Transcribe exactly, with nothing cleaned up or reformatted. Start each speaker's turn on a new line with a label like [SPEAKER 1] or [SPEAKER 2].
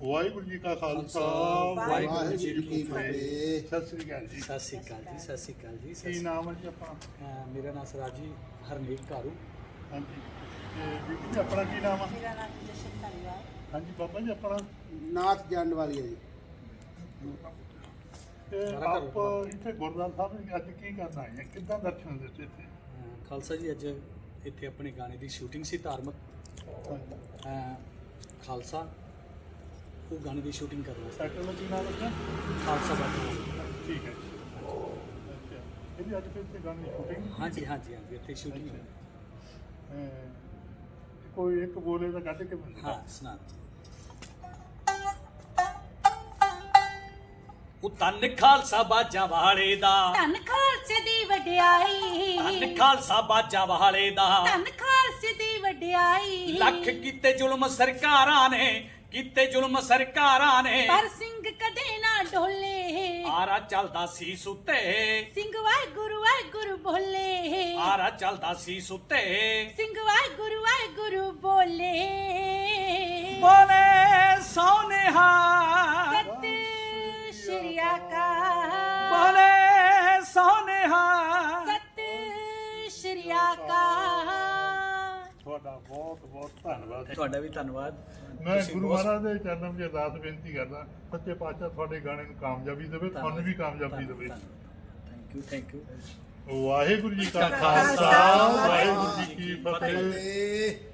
[SPEAKER 1] ਵਾਹਿਗੁਰੂ ਜੀ ਕਾ ਖਾਲਸਾ
[SPEAKER 2] ਵਾਹਿਗੁਰੂ ਜੀ ਕੀ ਫਤਿਹ।
[SPEAKER 1] ਸਤਿ ਸ੍ਰੀ ਅਕਾਲ ਜੀ।
[SPEAKER 2] ਸਤਿ ਸ਼੍ਰੀ ਅਕਾਲ ਜੀ, ਸਤਿ ਸ਼੍ਰੀ ਅਕਾਲ ਜੀ।
[SPEAKER 1] ਕੀ ਨਾਮ ਹੈ ਜੀ ਆਪਣਾ?
[SPEAKER 2] ਅਹ ਮੇਰਾ ਨਾਮ ਸਰਾਜ ਜੀ ਹਰਨੇਕ ਕਾਰੂ।
[SPEAKER 1] ਹਾਂਜੀ ਤੇ ਬੀਬੀ ਜੀ ਆਪਣਾ ਕੀ ਨਾਮ ਆ?
[SPEAKER 3] ਮੇਰਾ ਨਾਮ ਜਸ਼ਨ ਧਾਲੀਵਾਲ।
[SPEAKER 1] ਹਾਂਜੀ ਬਾਬਾ ਜੀ ਆਪਣਾ?
[SPEAKER 4] ਨਾਥ ਜਾਣ ਵਾਲੀ ਹੈ ਜੀ।
[SPEAKER 1] ਤੇ ਆਪ ਇੱਥੇ ਗੁਰਦੁਆਰਾ ਸਾਹਿਬ ਵਿੱਚ ਅੱਜ ਕੀ ਕਰਨ ਆਏ ਆ? ਕਿੱਦਾਂ ਦਰਸ਼ਨ ਦਿੱਤੇ ਇੱਥੇ?
[SPEAKER 2] ਅਹ ਖਾਲਸਾ ਜੀ ਅੱਜ ਇੱਥੇ ਆਪਣੇ ਗਾਣੇ ਦੀ ਸ਼ੂਟਿੰਗ ਸੀ ਧਾਰਮਿਕ।
[SPEAKER 1] ਹਾਂਜੀ
[SPEAKER 2] ਅਹ ਖਾਲਸਾ ਉਹ ਗਾਣੇ ਦੀ ਸ਼ੂਟਿੰਗ ਕਰ ਰਿਹਾ ਸੀ।
[SPEAKER 1] ਸੈਕਟਰ ਦਾ ਕੀ ਨਾਮ ਰੱਖਿਆ?
[SPEAKER 2] ਖਾਲਸਾ ਬਾਬਾ।
[SPEAKER 1] ਠੀਕ ਹੈ ਜੀ। ਅੱਛਾ ਇਹਦੀ ਅੱਜ ਫਿਰ ਇੱਥੇ ਗਾਣੇ ਦੀ ਸ਼ੂਟਿੰਗ?
[SPEAKER 2] ਹਾਂਜੀ ਹਾਂਜੀ ਹਾਂਜੀ ਇੱਥੇ ਸ਼ੂਟਿੰਗ ਹੋਈ।
[SPEAKER 1] ਕੋਈ ਇੱਕ ਬੋਲੇ ਦਾ ਕੱਢ ਕੇ ਬੰਦਾ।
[SPEAKER 2] ਹਾਂ ਸੁਣਾ। ਉਹ ਤਨ ਖਾਲਸਾ ਬਾਜਾਂ ਵਾਲੇ ਦਾ,
[SPEAKER 3] ਧੰਨ ਖਾਲਸੇ ਦੀ ਵਡਿਆਈ,
[SPEAKER 2] ਤਨ ਖਾਲਸਾ ਬਾਜਾਂ ਵਾਲੇ ਦਾ,
[SPEAKER 3] ਧੰਨ ਖਾਲਸੇ ਦੀ ਵਡਿਆਈ।
[SPEAKER 2] ਲੱਖ ਕੀਤੇ ਜ਼ੁਲਮ ਸਰਕਾਰਾਂ ਨੇ, ਕੀਤੇ ਜ਼ੁਲਮ ਸਰਕਾਰਾਂ ਨੇ,
[SPEAKER 3] ਪਰ ਸਿੰਘ ਕਦੇ ਨਾ ਡੋਲੇ।
[SPEAKER 2] ਆਰਾ ਚੱਲਦਾ ਸੀ ਸੁੱਤੇ,
[SPEAKER 3] ਸਿੰਘ ਵਾਹਿਗੁਰੂ ਵਾਹਿਗੁਰੂ ਬੋਲੇ।
[SPEAKER 2] ਆਰਾ ਚੱਲਦਾ ਸੀ ਸੁੱਤੇ,
[SPEAKER 3] ਸਿੰਘ ਵਾਹਿਗੁਰੂ ਵਾਹਿਗੁਰੂ ਬੋਲੇ।
[SPEAKER 2] ਬੋਲੇ ਸੋਨੇਹਾ,
[SPEAKER 3] ਸਤਿ ਸ਼੍ਰੀ ਅਕਾਲ,
[SPEAKER 2] ਬੋਲੇ ਸੋਨੇਹਾ।
[SPEAKER 3] ਸਤਿ ਸ਼੍ਰੀ ਅਕਾਲ।
[SPEAKER 1] ਤੁਹਾਡਾ ਬਹੁਤ ਬਹੁਤ ਧੰਨਵਾਦ।
[SPEAKER 2] ਤੁਹਾਡਾ ਵੀ ਧੰਨਵਾਦ।
[SPEAKER 1] ਮੈਂ
[SPEAKER 2] ਤੁਸੀਂ
[SPEAKER 1] ਗੁਰੂ
[SPEAKER 2] ਬਹੁਤ-
[SPEAKER 1] ਮਹਾਰਾਜ ਦੇ ਚਰਨਾਂ ਵਿੱਚ ਅਰਦਾਸ ਬੇਨਤੀ ਕਰਦਾ, ਸੱਚੇ ਪਾਤਸ਼ਾਹ ਤੁਹਾਡੇ ਗਾਣੇ ਨੂੰ ਕਾਮਯਾਬੀ ਦੇਵੇ, ਤੁਹਾਨੂੰ ਵੀ ਕਾਮਯਾਬੀ ਦੇਵੇ।
[SPEAKER 2] Thank you thank you.
[SPEAKER 1] Waheguru ji ਕਾ
[SPEAKER 3] ਖਾਲਸਾ,
[SPEAKER 1] ਖਾਲਸਾ ਵਾਹਿਗੁਰੂ ਜੀ ਕੀ
[SPEAKER 4] ਫਤਿਹ।
[SPEAKER 1] ਫਤਿਹ।